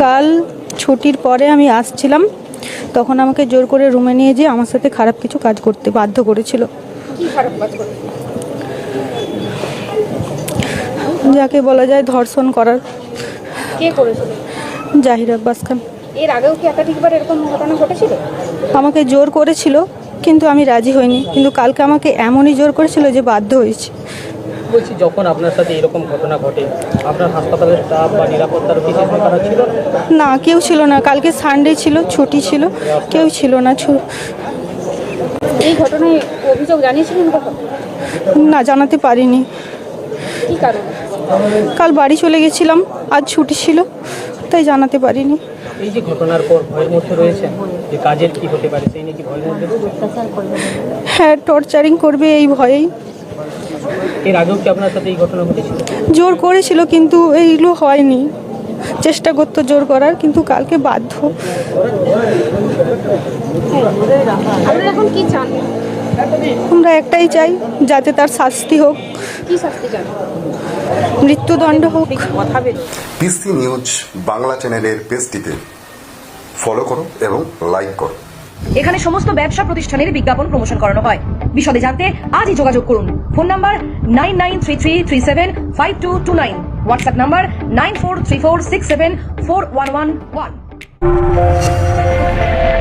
কাল ছুটির পরে আমি আসছিলাম, তখন আমাকে জোর করে রুমে নিয়ে যেয়ে আমার সাথে খারাপ কিছু কাজ করতে বাধ্য করেছিল। কি খারাপ কাজ করে? যাকে বলা যায় ধর্ষণ করার। কে করেছিল? জাহির আব্বাস খান। এর আগেও কি একাধিকবার এরকম ঘটনা ঘটেছিল? আমাকে জোর করেছিল, কিন্তু আমি রাজি হইনি। কিন্তু কালকে আমাকে এমনই জোর করেছিল যে বাধ্য হয়েছি। বলছি, যখন আপনার সাথে এরকম ঘটনা ঘটে, আপনার হাসপাতালের স্টাফ বা নিরাপত্তার বিশেষ ব্যাপার ছিল? না, কেউ ছিল না। কালকে সানডে ছিল, ছুটি ছিল, কেউ ছিল না। এই ঘটনায় অভিযোগ জানিয়েছিলেন কখন? না, জানাতে পারিনি। কি কারণ? কাল বাড়ি চলে গেছিলাম, আজ ছুটি ছিল, তাই জানাতে পারিনি। এই যে ঘটনার পর ভয়ের মধ্যে রয়েছেন যে কাজের কি হতে পারে, সেই নিয়ে কি ভয়ের মধ্যে? হ্যাঁ, টর্চারিং করবে এই ভয়েই। এর আগেও কি আপনার সাথে এই ঘটনা ঘটেছিল? জোর করেছিল, কিন্তু এইগুলো হয়নি। চেষ্টা করতো জোর করার, কিন্তু কালকে বাধ্য। আপনারা এখন কি চান? আমরা একটাই চাই, যাতে তার শাস্তি হোক, কি শাস্তি চান? মৃত্যুদণ্ড হোক। পিসি নিউজ বাংলা চ্যানেলের পেজটিতে ফলো করো এবং লাইক করো। এখানে সমস্ত ব্যবসা প্রতিষ্ঠানের বিজ্ঞাপন প্রমোশন করানো হয়। বিশদে জানতে আজই যোগাযোগ করুন। Phone number 9933375229, WhatsApp number 9434674111।